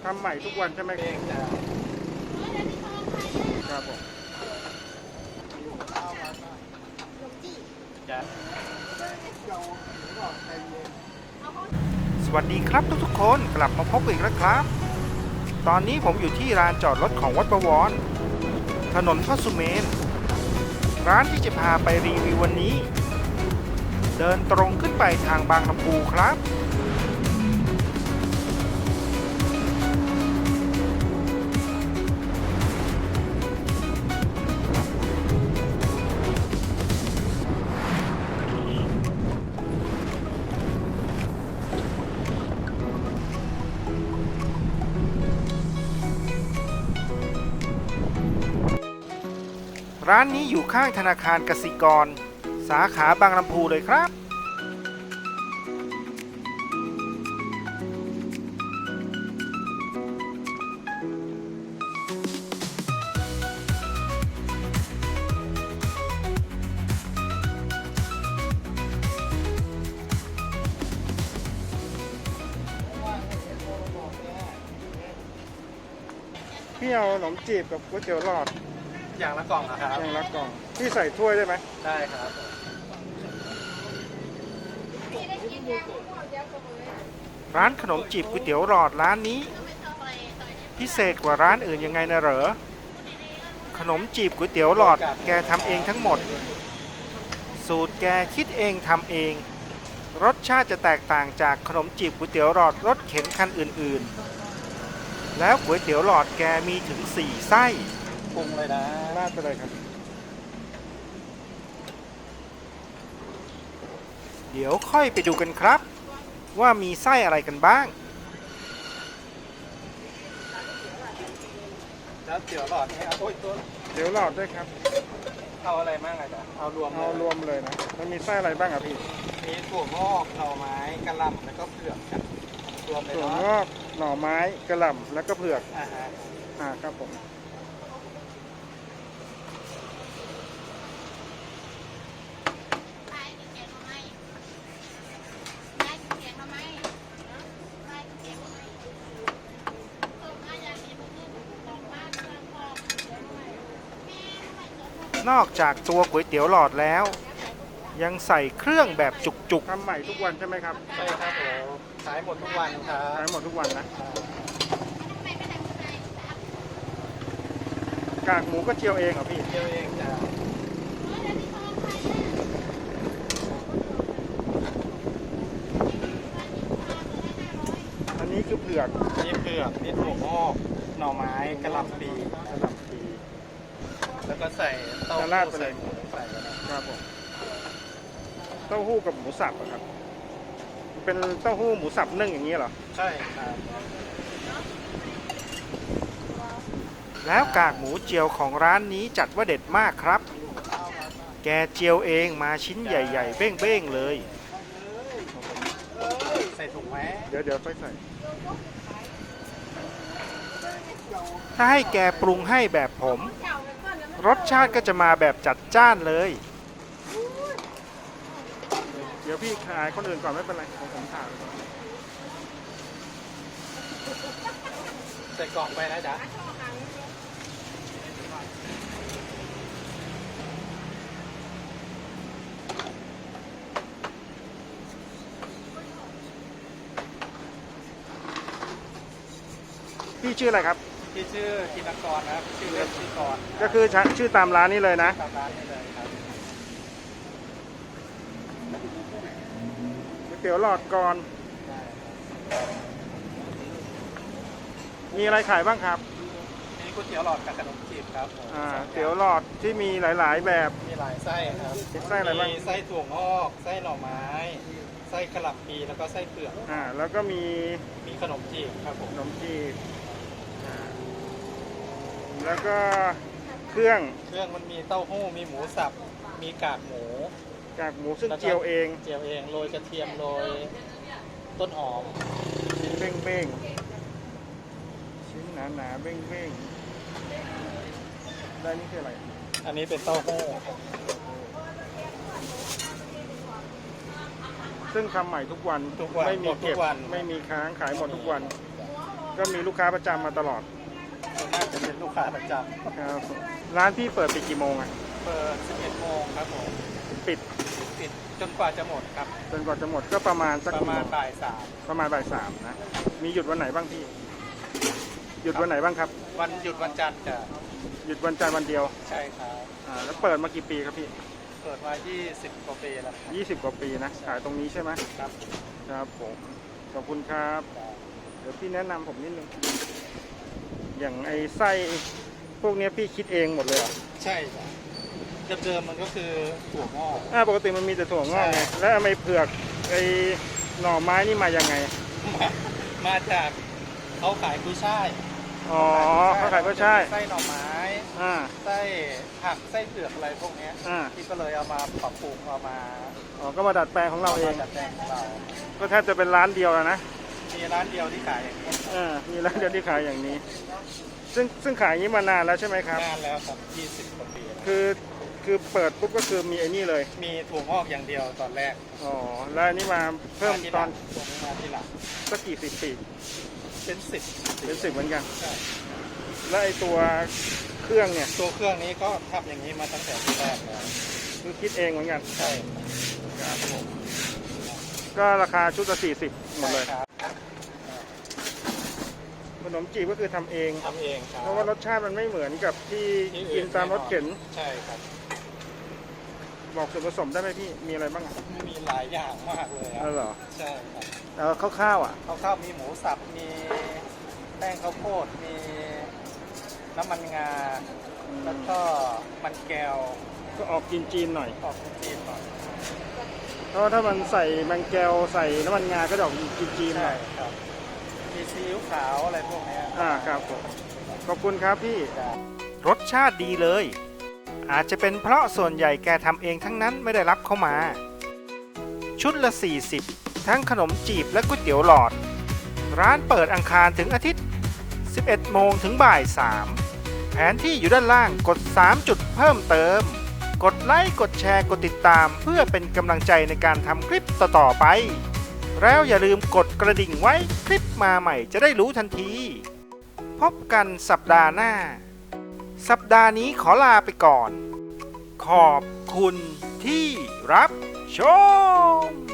ทำใหม่ทุกวันใช่ไหมเองจ้ะครับผมสวัสดีครับทุกคนกลับมาพบอีกแล้วครับตอนนี้ผมอยู่ที่ลานจอดรถของวัดประวรถนนพระสุเมนร้านที่จะพาไปรีวิววันนี้เดินตรงขึ้นไปทางบางลำพูครับร้านนี้อยู่ข้างธนาคารกสิกรสาขาบางลำพูเลยครับพี่เอาขนมจีบกับก๋วยเตี๋ยวหลอดอย่างละกล่องนะครับอย่างละกล่องพี่ใส่ถ้วยได้ไหมได้ครับร้านขนมจีบก๋วยเตี๋ยวหลอดร้านนี้พิเศษกว่าร้านอื่นยังไงนะเหรอขนมจีบก๋วยเตี๋ยวหลอดแกทำเองทั้งหมดสูตรแกคิดเองทำเองรสชาติจะแตกต่างจากขนมจีบก๋วยเตี๋ยวหลอดรสเข็นคันอื่นๆแล้วก๋วยเตี๋ยวหลอดแกมีถึง4 ไส้ปรุงเลยนะราดไปเลยครับเดี๋ยวค่อยไปดูกันครับว่ามีไส้อะไรกันบ้างแล้วเตี๋ยวหลอดนี่โอ้ยตัวเตี๋ยวหลอดด้วยครับเอาอะไรบ้างอ่ะจ๊ะเอารวมเลยนะมันมีไส้อะไรบ้างอ่ะพี่มีถั่วงอกหน่อไม้กระหล่ำแล้วก็เผือกครับรวมเลยถั่วงอกหน่อไม้กระหล่ำแล้วก็เผือกครับผมนอกจากตัวก๋วยเตี๋ยวหลอดแล้วยังใส่เครื่องแบบจุกๆทำใหม่ทุกวันใช่ไหมครับใช่ครับผมขายหมดทุกวันครับขายหมดทุกวันนะกากหมูก็เจียวเองเหรอพี่เจียวเองจ้ะอันนี้คือเผือกนี่เผือกนี่ถั่วงอกหน่อไม้กระหล่ำปีแล้วก็ใส่เต้าหู้ใส่หมูใส่ครับผมเต้าหู้กับหมูสับครับเป็นเต้าหู้หมูสับนึ่งอย่างนี้เหรอใช่ครับแล้วกากหมูเจียวของร้านนี้จัดว่าเด็ดมากครับแกเจียวเองมาชิ้นใหญ่ๆเบ้งๆเลยใส่ถุงไหมเดี๋ยวค่อยใส่ถ้าให้แกปรุงให้แบบผมรสชาติก็จะมาแบบจัดจ้านเลยเดี๋ยวพี่ขายคนอื่นก่อนไม่เป็นไรผมถ่ายใส่กล่องไปนะจ๊ะพี่ชื่ออะไรครับที่ชื่อธินกรนะครับชื่อเล่นชื่อกรก็คือชื่อตามร้านนี้เลยนะตามร้านนี้เลยครับก๋วยเตี๋ยวหลอดก่อนมีอะไรขายบ้างครับมีก๋วยเตี๋ยวหลอดกับขนมจีบครับเตี๋ยวหลอดที่มีหลายๆแบบมีหลายไส้ครับไส้อะไรบ้างมีไส้ถั่วงอกไส้หน่อไม้ไส้กระหล่ำปีแล้วก็ไส้เผือกแล้วก็มีขนมจีบครับผมขนมจีบแล้วก็เครื่องมันมีเต้าหู้มีหมูสับมีกากหมูซึ่งเจียวเองโรยกระเทียมโรยต้นหอมชิ้นเบ้งชิ้นหนาๆเบ้งได้นี่คืออะไรอันนี้เป็นเต้าหู้ซึ่งทำใหม่ทุกวันไม่มีเก็บไม่มีค้างขายหมดทุกวันก็มีลูกค้าประจำมาตลอดส่วนมากจะเป็นลูกค้าประจครับร้านพี่เปิดปิดกี่โมงอ่ะำเปิด 11 โมงครับผมปิดปิดจนกว่าจะหมดครับจนกว่าจะหมดก็ประมาณสักประกี่มาโมณงบ่ายสามประมาณบ่าย 3นะมีหยุดวันไหนบ้างพี่ หยุดวันไหนบ้างครับวันหยุดวันจันทร์จะหยุดวันจันทร์วันเดียวใช่ครับแล้วเปิดมากี่ปีครับพี่เปิดมา 20 กว่าปีแล้วครับ 20 กว่าปีนะขายตรงนี้ใช่ไหมครับครับผมขอบคุณครับ เดี๋ยวพี่แนะนำผมนิดนึงอย่างไอ้ไส้พวกเนี้ยพี่คิดเองหมดเลยเหรอใช่ครับเดิมๆมันก็คือถั่วงอกปกติมันมีแต่ถั่วงอกไงใช่แล้วทำไมเผือกไอ้หน่อไม้นี่มายังไงมาจากเขาขายกุ้ยช่ายอ๋อเขาขายก็ใช่ไส้หน่อไม้อ่าไส้ผักไส้เผือกอะไรพวกเนี้ยอ่าที่ก็เลยเอามาปรับปรุงเอามาอ๋อก็มาดัดแปลงของเราเองดัดแปลงของเราก็แทบจะเป็นร้านเดียวแล้วนะมีร้านเดียวที่ขายอย่างนี้มีร้านเดียวที่ขายอย่างนี้ ซึ่งขายอย่างนี้มานานแล้วใช่ไหมครับนานแล้วครับ 20 กว่าปีแล้วคือเปิดปุ๊บก็คือมีไอ้นี่เลยมีถั่วงอกอย่างเดียวตอนแรกอ๋อแล้วอันนี้มาเพิ่มตอนตรงนี้มาที่หลังสักกี่สิบปีเป็น10 เป็น10เหมือนกันใช่แล้วไอ้ตัวเครื่องเนี่ยตัวเครื่องนี้ก็ทำอย่างนี้มาตั้งแต่ที่แรกแล้วคือคิดเองเหมือนกันใช่ครับผมก็ราคาชุดละ40หมดเลยครับขนมจีบก็คือทำเองทำเองครับเพราะว่ารสชาติมันไม่เหมือนกับที่กินตามรถเข็นใช่ครับบอกส่วนผสมได้ไหมพี่ มีอะไรบ้างอ่ะมีหลายอย่างมากเลยคอ๋รัอบ เหรอใช่ครับคร่าวๆอ่ะข้าวมีหมูสับ มีแป้งข้าวโพด มีน้ำมันงา แล้วก็มันแก้วก็ออกจีนๆหน่อยออกจีนหน่อยเพราะว่าถ้ามันใส่แมงแก้วใส่น้ำมันงาก็จะออกจีนๆหใช่น่อยครับ มีซีอิ๊วขาวอะไรพวกเนี้ยครับผมขอบคุณครับพี่ครับรสชาติดีเลย อาจจะเป็นเพราะส่วนใหญ่แกทำเองทั้งนั้นไม่ได้รับเข้ามา ชุดละ 40 ทั้งขนมจีบและก๋วยเตี๋ยวหลอด ร้านเปิดอังคารถึงอาทิตย์ 11 โมงถึงบ่าย 3 แผนที่อยู่ด้านล่างกด 3 จุดเพิ่มเติม กดไลค์กดแชร์กดติดตามเพื่อเป็นกำลังใจในการทำคลิปต่อๆไป แล้วอย่าลืมกดกระดิ่งไว้คลิปมาใหม่จะได้รู้ทันที พบกันสัปดาห์หน้า สัปดาห์นี้ขอลาไปก่อน ขอบคุณที่รับชม